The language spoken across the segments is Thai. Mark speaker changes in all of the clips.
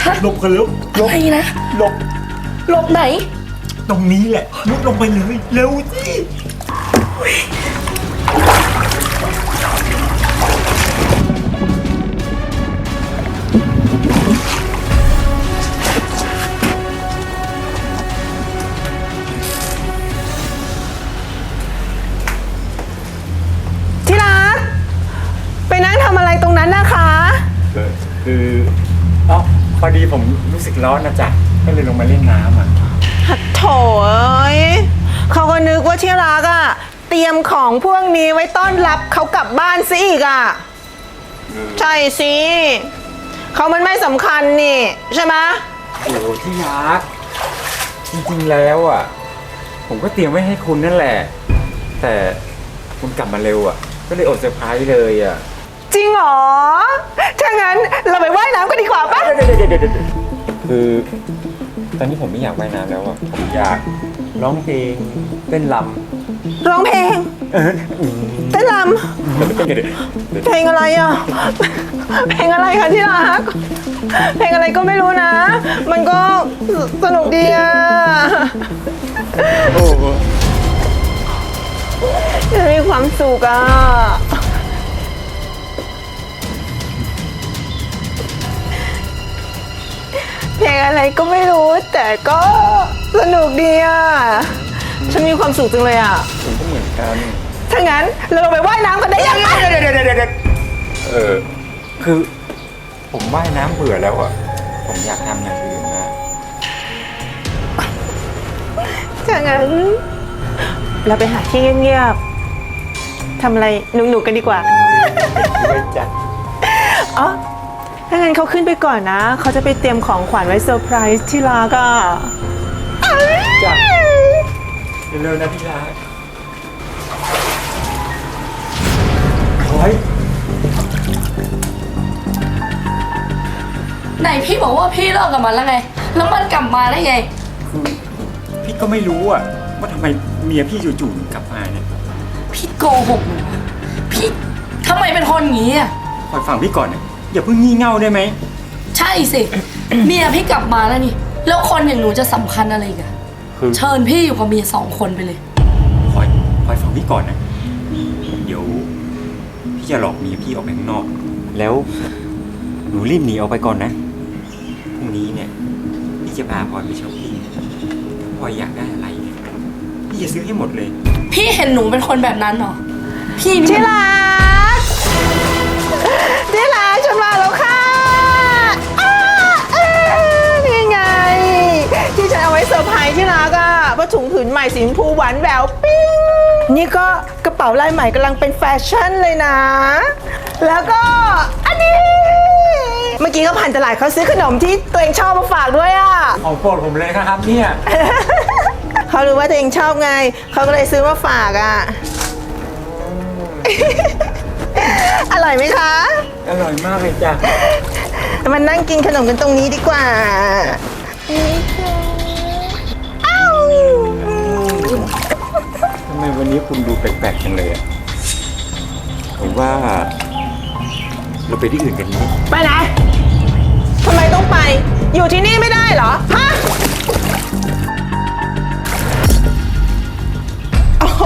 Speaker 1: หลบกันแล้วหลบ
Speaker 2: อะไรนะ
Speaker 1: หลบ
Speaker 2: หลบไหน
Speaker 1: ตรงนี้แหละมุดลงไปเลยเร็วสิ
Speaker 3: ที่รักไปนั่งทำอะไรตรงนั้นนะคะ
Speaker 1: คืออ๋อพอดีผมรู้สึกร้อนนะจ๊ะก็เลยลงมาเล่นน้ำอ่ะ
Speaker 3: โถเอ้ยเขาก็นึกว่าที่รักอะเตรียมของพวกนี้ไว้ต้อนรับเขากลับบ้านซะอีกอะใช่สิเขามันไม่สำคัญนี่ใช่ไหม
Speaker 1: โอ้ที่รักจริงๆแล้วอ่ะผมก็เตรียมไว้ให้คุณนั่นแหละ แต่คุณกลับมาเร็วอ่ะก็เลยอดเซอร์ไพรส์เลยอ่ะ
Speaker 3: จริงเหรอถ้างั้นเราไปว่ายน้ำกันดีกว่าปะ
Speaker 1: คือตอนนี้ผมไม่อยากว่ายน้ำแล้วอ่ะผมอยากร้องเพลงเต้นรำ
Speaker 3: ร้องเพลงเต้นรำเพลงอะไรอะเพลงอะไรคะที่รักเพลงอะไรก็ไม่รู้นะ มันก็สนุกดีอะจะมีความสุขอะเพลงอะไรก็ไม่รู้แต่ก็สนุกดีอะฉันมีความสุขจังเลยอะ
Speaker 1: ผมก็เหมือนกัน
Speaker 3: ถ้างั้นเราลงไปว่ายน้ำกันได้ยังไง
Speaker 1: คือผมว่ายน้ำเบื่อแล้วอ่ะผมอยากทำอย่างอื่นนะ
Speaker 3: ถ้างั้นเราไปหาที่เงียบๆทำอะไรหนุกๆกันดีกว่า
Speaker 1: ไม่จัด
Speaker 3: อ๋อถ้างั้นเขาขึ้นไปก่อนนะ เขาจะไปเตรียมของขวัญไว้เซอร์ไพรส์ที่รักอ่ะ
Speaker 1: จ้ะเร็วๆนะพี่รักโอ้ย
Speaker 2: ไหนพี่บอกว่าพี่เลิกกับมันแล้วไง แล้วมันกลับมาได้ไง
Speaker 1: คือพี่ก็ไม่รู้อ่ะว่าทำไมเมียพี่จู่ๆถึงกลับมาเนี่ย
Speaker 2: พี่โกหกหนูอะพี่ทำไมเป็นคนอย่างนี้อ่ะ
Speaker 1: คอยฟังพี่ก่อนนะอย่าเพิ่งงี่เง่าได้ไหม
Speaker 2: ใช่สิ เมียพี่กลับมาแล้วนี่ แล้วคนอย่างหนูจะสำคัญอะไรอีกัน
Speaker 1: คือ
Speaker 2: เชิญพี่อยู่กับเมีย2 คนไปเลย
Speaker 1: คอยฟังพี่ก่อนนะเดี๋ยวพี่จะหลอกเมียพี่ออกไปข้างนอก แล้วหนูรีบหนีออกไปก่อนนะพรุ่งนี้เนี่ยพี่จะพาพลอยไปช้อปปิ้งถ้าพลอยอยากได้อะไรเนี่ยพี่จะซื้อให้หมดเลย
Speaker 2: พี่เห็นหนูเป็นคนแบบนั้นเหรอ พี่นี่
Speaker 3: ที่รักที่รักฉันมาแล้วค่ะนี่ไง ที่ฉันเอาไว้เซอร์ไพรส์ที่รักอ่ะผ้าถุงผืนใหม่สีชมพูหวานแหววปิ้งนี่ก็กระเป๋าลายใหม่กำลังเป็นแฟชั่นเลยนะ แล้วก็อันนี้ เมื่อกี้ก็ผ่านตลาดเขาซื้อขนมที่ตัวเองชอบมาฝากด้วยอ่ะ
Speaker 1: ของโปรดผมเลยนะครับเนี่ย
Speaker 3: เขารู้ว่าตัวเองชอบไง เขาก็เลยซื้อมาฝากอ่ะ อร่อยไหมคะ
Speaker 1: อร่อยมากเลยจ้ะ
Speaker 3: มานั่งกินขนมกันตรงนี้ดีกว่าอ้าว
Speaker 1: ทำไมวันนี้คุณดูแปลกๆจังเลยอ่ะผมว่าเราไปที่อื่นกันไหม
Speaker 3: ไปไหน ทำไมต้องไป อยู่ที่นี่ไม่ได้เหรอ ฮะ โอ้โห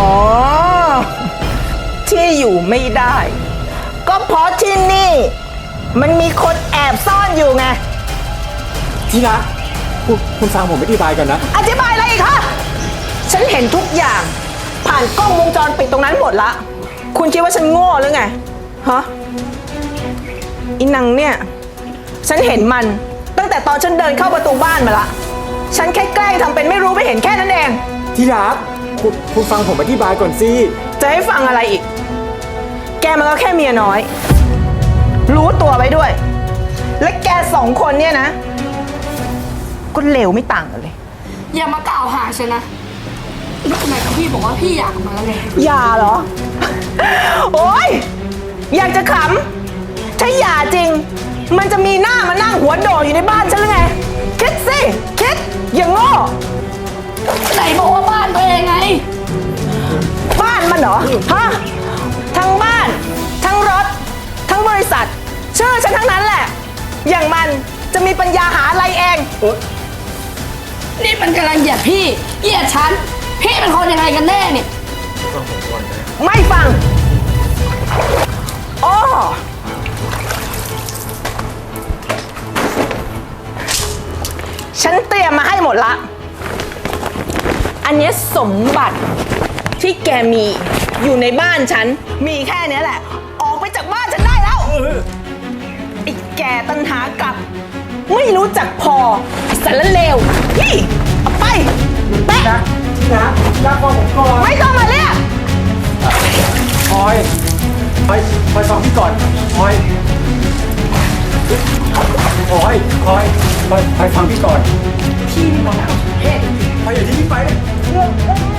Speaker 3: ที่อยู่ไม่ได้ ก็เพราะที่นี่ มันมีคนแอบซ่อนอยู่ไง
Speaker 1: ที่รักคุณฟังผมอธิบายก่อนนะ
Speaker 3: อธิบายอะไรอีกคะฉันเห็นทุกอย่าง ผ่านกล้องวงจรปิดตรงนั้นหมดละ คุณคิดว่าฉันโง่หรือไง ฮะอีนังเนี่ย ฉันเห็นมันตั้งแต่ตอนฉันเดินเข้าประตูบ้านมาละ ฉันแค่แกล้งทำเป็นไม่รู้ไม่เห็นแค่นั้นเอง
Speaker 1: ที่รักคุณฟังผมอธิบายก่อนสิ
Speaker 3: จะให้ฟังอะไรอีก แกมันก็แค่เมียน้อย รู้ตัวไว้ด้วย และแก2 คนเนี่ยนะ ก็เลวไม่ต่างกันเลย
Speaker 2: อย่ามากล่าวหาฉันนะไหนกับพี่บอกว่าพี่อยากมาแล้วไง
Speaker 3: อย่าเหรอ โอ๊ย อยากจะขำ ถ้าอย่าจริง มันจะมีหน้ามานั่งหัวโดดอยู่ในบ้านฉันหรือไง คิดสิ คิด อย่างโง่
Speaker 2: ไหนบอกว่าบ้านตัวเองไง
Speaker 3: บ้านมันเหรอ ฮะ ทั้งบ้าน ทั้งรถ ทั้งบริษัท ชื่อฉันทั้งนั้นแหละ อย่างมันจะมีปัญญาหาอะไรเอง
Speaker 2: นี่มันกำลังเหยียดพี่เหยียดฉัน พี่เป็นคนยังไงกันแน่เนี่ย
Speaker 3: ไม่ฟังอ้อฉันเตรียมมาให้หมดละ อันเนี้ยสมบัติที่แกมีอยู่ในบ้านฉัน มีแค่เนี้ยแหละ ออกไปจากบ้านฉันได้แล้วไอ้แกตันหากลับ ไม่รู้จักพอไอ้สารเลวนี่เอาไปแป๊ะ
Speaker 1: นะฟังผมก่อน
Speaker 3: ไม่ต้องมาเรียก
Speaker 1: พลอยฟังพี่ก่อนพลอยฟังพี่ก่อน
Speaker 2: พี่มีปัญหาเพศ
Speaker 1: พลอยอย่าทิ้งพี่ไปเลย